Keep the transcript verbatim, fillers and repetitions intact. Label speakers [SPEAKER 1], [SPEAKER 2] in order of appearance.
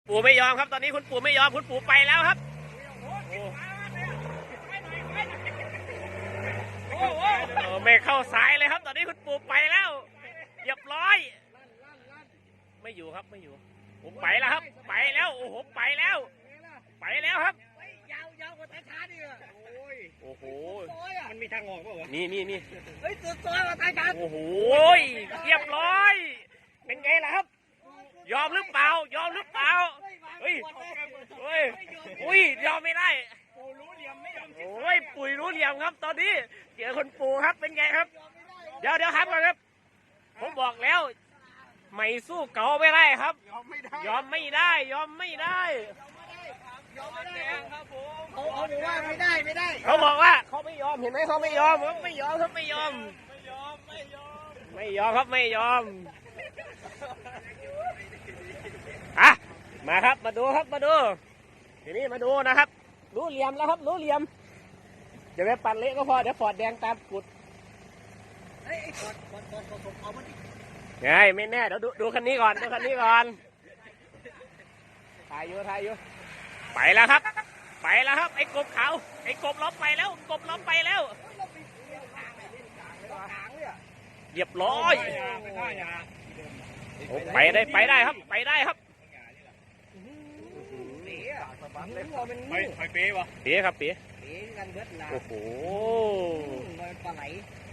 [SPEAKER 1] ปู่ไม่ยอมครับตอนนี้คุณปู่ไม่ยอมคุณปู่ไปแล้วครับโอ้โหไม่เข้าสายเลยครับตอนนี้คุณปู่ไปแล้วเรียบร้อยไม่อยู่ครับไม่อยู่ผมไปแล้วครับไปแล้วโอ้โหไปแล้วไปแล้วครับ
[SPEAKER 2] ยาวยาวกว่าท้ายช้าดิโอ้โห
[SPEAKER 1] โอ้โห
[SPEAKER 2] มันมีทางออกป่าวะ
[SPEAKER 1] นี่นี่นี่
[SPEAKER 2] เฮ้ยสุดซอยกว่าท้ายช้า
[SPEAKER 1] โอ้โหเรียบร้อยเป็นไงล่ะครับยอมหรือเปล่ายอมหรือเปล่าเฮ้ยเฮ้ยอุ้ยยอมไม่ได้
[SPEAKER 2] ปู่รู้เหลี่ยมไม่ยอม
[SPEAKER 1] โอ้ยปุ๋ยรู้เหลี่ยมครับตอนนี้เจอคนปู่ครับเป็นไงครับเดี๋ยวเดี๋ยวครับก่อนครับผมบอกแล้วไม่สู้เก่าไม่ได้ครับ
[SPEAKER 2] ยอมไม่ได้
[SPEAKER 1] ยอมไม่ได้ยอมไม่ได้
[SPEAKER 2] ยอมไม่ได้ครับผมเขาเขาบอกว่าไม่ได้ไม่ได้
[SPEAKER 1] เขาบอกว่าเขาไม่ยอมเห็นไหมเขาไม่ยอมเขาไม่ยอมเขาไม่ยอม
[SPEAKER 2] ไม่ยอมไม่ยอม
[SPEAKER 1] ไม่ยอมครับไม่ยอมอ่ะมาครับมาดูครับมาดูทีนี้มาดูนะครับรู้เหลี่ยมแล้วครับรู้เหลี่ยมจะไปปั่นเละก็พอเดี๋ยวฟอดแดงตามกุด
[SPEAKER 2] เฮ้ยฟอดฟอดฟอดฟอดเอามาดิ
[SPEAKER 1] ไงไม่แน่เดี๋ยวดูดูคันนี้ก่อนดูคันนี้ก่อนถ่ายอยู่ถ่ายอยู่ไปแล้วครับไปแล้วครับไอ้กบเขาไอ้กบล้อมไปแล้วกบล้อมไปแล้วเรียบร้อยไปได้ไปได้ครับไปได้ครับ
[SPEAKER 2] ไปไปเป๊ะวะ
[SPEAKER 1] เป๊ะครับเป๊ะ
[SPEAKER 2] เป๊ะกันเบิดละ
[SPEAKER 1] โอ้โห
[SPEAKER 2] มันปลาไหล